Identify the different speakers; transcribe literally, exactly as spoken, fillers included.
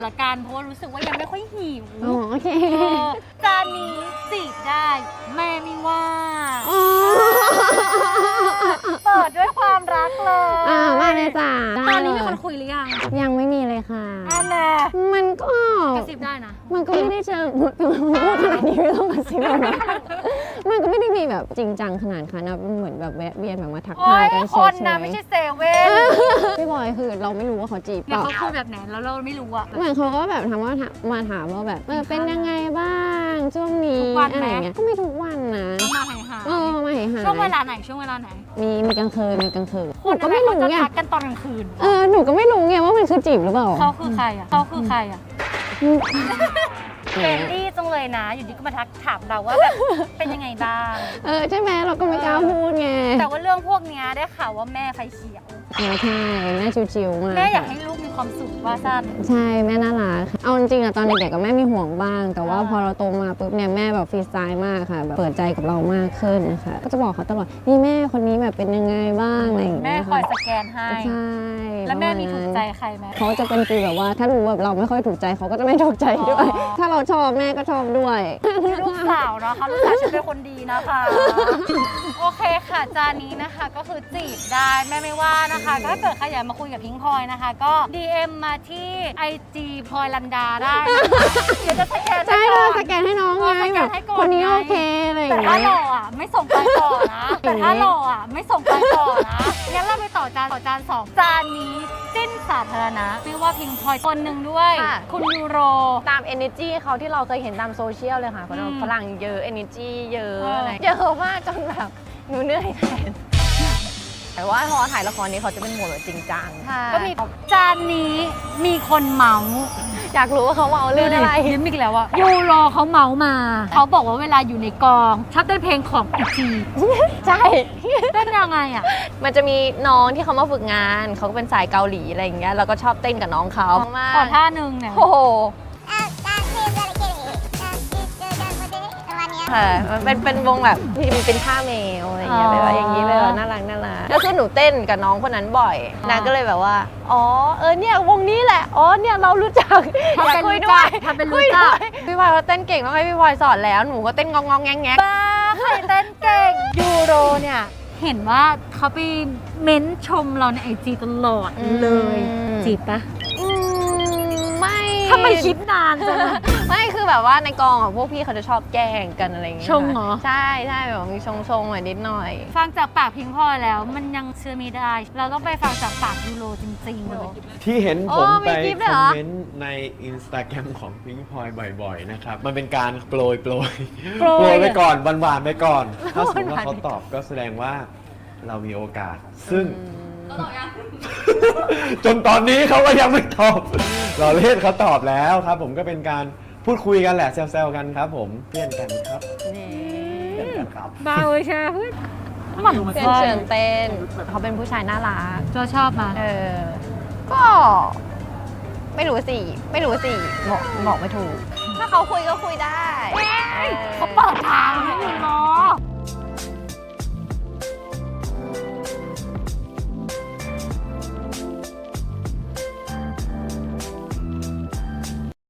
Speaker 1: ละกันเพราะว่ารู้สึกว่ายังไม่ค่อยหิว
Speaker 2: อ๋อโอเค
Speaker 1: จานนี้จีบได้แม่ไม่ว่าเปิดด้วยความรักเลย
Speaker 2: อ่าว่าเลยจ้า
Speaker 1: ตอนนี้มีคนคุยหรือยัง
Speaker 2: ยังไม่มีเลยค่ะ
Speaker 1: อันน่ะ
Speaker 2: มันก็
Speaker 1: กระซิบได้นะ
Speaker 2: มันก็ไม่ได้เจอพูดขนาดนี้ไม่ต้องกระซิบแล้วนะมันก็ไม่ได้มีแบบจริงจังขนาดค่ะนะมันเหมือนแบบแวะเวียนแบบมาทักทายกันเฉยๆ
Speaker 1: คนนะไม่ใช่เซเว่น
Speaker 2: พี่บอยคือเราไม่รู้ว่าเขาจีบเปล่า
Speaker 1: เขาคุยแบบไหนแล้วเราไม่รู้อะ
Speaker 2: เหมือนเขาก็แบบถามว่ามาถามว่าแบบเออเป็นยังไงบ้างช่วงนี้อะไรเงี้ยก็ไม่ทุกวันนะ
Speaker 1: มาหายหาย
Speaker 2: เออมาหายหาย
Speaker 1: ช่วงเวลาไหนช่วงเวลาไหน
Speaker 2: มีมีกลางคืนมีกลางคืนหนูก็
Speaker 1: ไม่
Speaker 2: ไม่รู้ไง
Speaker 1: ทักกันตอนกลางคืน
Speaker 2: เออหนูก็ไม่รู้ไงว่ามันคือจีบหรือเปล่า
Speaker 1: เขาคือใครอะเขาคือใครอะเฟรนดี้จังเลยนะอยู่ดีก็มาทักถามเราว่าแบบเป็นยังไงบ้าง
Speaker 2: เออใช่ไหมเราก็ไม่กล้าพูดไง
Speaker 1: แต่ว่าเรื่องพวกนี้ได้ข่าวว่าแม่ไฟเขียว
Speaker 2: ใช่ใช่แม่ชิวๆมาก
Speaker 1: แม่อยากให้ลูกมีความสุขว่าสั้น
Speaker 2: ใช่แม่น่ารักเอาจริงๆอะตอนเด็กๆก็แม่มีห่วงบ้างแต่ว่าพอเราโตมาปุ๊บเนี่ยแม่แบบฟรีสไตล์มากค่ะแบบเปิดใจกับเรามากขึ้นนะคะก็จะบอกเขาตลอดนี่แม่คนนี้แบบเป็นยังไงบ้างอะไรอย่างเงี้ย
Speaker 1: แม่คอยสแกนให้
Speaker 2: ใช่
Speaker 1: แล้วแม่มีถูกใจใครไหม
Speaker 2: เขาจะเป็นฟีลแบบว่าถ้ารู้แบบเราไม่ค่อยถูกใจเขาก็จะไม่ถูกใจด้วยถ้าเราชอบแม่ก็ชอบด้วย
Speaker 1: ลูกสาวนะคะลูกสาวฉันเป็นคนดีนะคะโอเคค่ะจานนี้นะคะก็คือจีบได้แม่ไม่ว่านะคะถ้าเกิดใครอยากมาคุยกับพิงพลอยนะคะก็ ดี เอ็ม มาที่ ไอ จี พลอยลันดาได้เดี๋ยวจะสแกน
Speaker 2: ใช่เลยสแกนให้น้องไงคนนี้โอเคอะไรอย่าง
Speaker 1: เงี้ยแต่ถ้าหล่ออ่ะไม่ส่งไปต่อนะแต่ถ้าหล่ออ่ะไม่ส่งไปต่อนะงั้นเราไปต่อจานต่อจานสองจานนี้จิ้นสาธารณะชื่อว่าพิงพลอยคนหนึ่งด้วยคุณยูโร
Speaker 3: ตาม energy เขาที่เราเคยเห็นตามโซเชียลเลยค่ะคนฝรั่งเยอะ energy เยอะอะไรเยอะมากจนแบบหนูเหนื่อยแทนแต่ว่าพอถ่ายละครนี้เขาจะเป็นโหมดแบบจริงจัง
Speaker 1: ก็มีจานนี้มีคนเมา
Speaker 3: อยากรู้ว่าเขาเมาเรื่องอะไร
Speaker 1: ยิ้มอีกแล้วอะยูโรเขาเมามาเขาบอกว่าเวลาอยู่ในกองชอบเต้นเพลงของอีจี
Speaker 3: ใช่
Speaker 1: เต้นยังไงอะ
Speaker 3: มันจะมีน้องที่เขามาฝึกงานเขาก็เป็นสายเกาหลีอะไรอย่างเงี้ยแล้วก็ชอบเต้นกับน้องเขา
Speaker 1: ขอท่านึงเนี่ย
Speaker 3: โอ้โหค่ะมันเป็นเป็นวงแบบที่มันเป็นท่าแมวอะไรอย่างเงี้ยแบบอย่างนี้แบบน่ารักน่ารักแล้วคือหนูเต้นกับน้องคนนั้นบ่อยนางก็เลยแบบว่าอ๋อเออเนี่ยวงนี้แหละอ๋อเนี่ยเรารู้จัก
Speaker 1: อยากคุยด้วยทำเป็นรู้จัก
Speaker 3: พี่พลอยเขาเต้นเก่งต้องให้พี่พลอยสอนแล้วหนูก็เต้นงองงองแงงแง
Speaker 1: บ้าใครเต้นเก่งยูโรเนี่ยเห็นว่าเขาไปเม้นชมเราในไอจีตลอดเลยจีบปะ
Speaker 3: ไม่
Speaker 1: ทำไมคิดนานจัง
Speaker 3: ไม่คือแบบว่าในกองของพวกพี่เขาจะชอบแกล้งกันอะไรอย่างเงี้ย
Speaker 1: ชงเหรอ
Speaker 3: ใช่ใช่แบบมีชงชงหน่อยนิดหน่อย
Speaker 1: ฟังจากปากพิงพลอยแล้วมันยังเชื่อไม่ได้เราต้องไปฟังจากปากยูโรจริงๆเลย
Speaker 4: ที่เห็นผมไปคอมเมนต์ใน อินสตาแกรม ของพิงพลอยบ่อยๆนะครับมันเป็นการโปรยโปรยโปรยไปก่อนหวานๆไปก่อนถ้าสมมติว่าเขาตอบก็แสดงว่าเรามีโอกาสซึ่งจนตอนนี้เขาก็ยังไม่ตอบเราเล่นเขาตอบแล้วครับผมก็เป็นการพูดคุยกันแหละแซวๆกันครับผมเพื่อนกันครับเพื่อนกันครับ
Speaker 1: เบาเลยใช่ไหม
Speaker 3: หมั่นเต้นเชิญเต้นเขาเป็นผู้ชายน่ารัก
Speaker 1: เราชอบมา
Speaker 3: เออก็ไม่รู้สิไม่รู้สิบอกบอกไม่ถูกถ้าเขาคุยก็คุยได้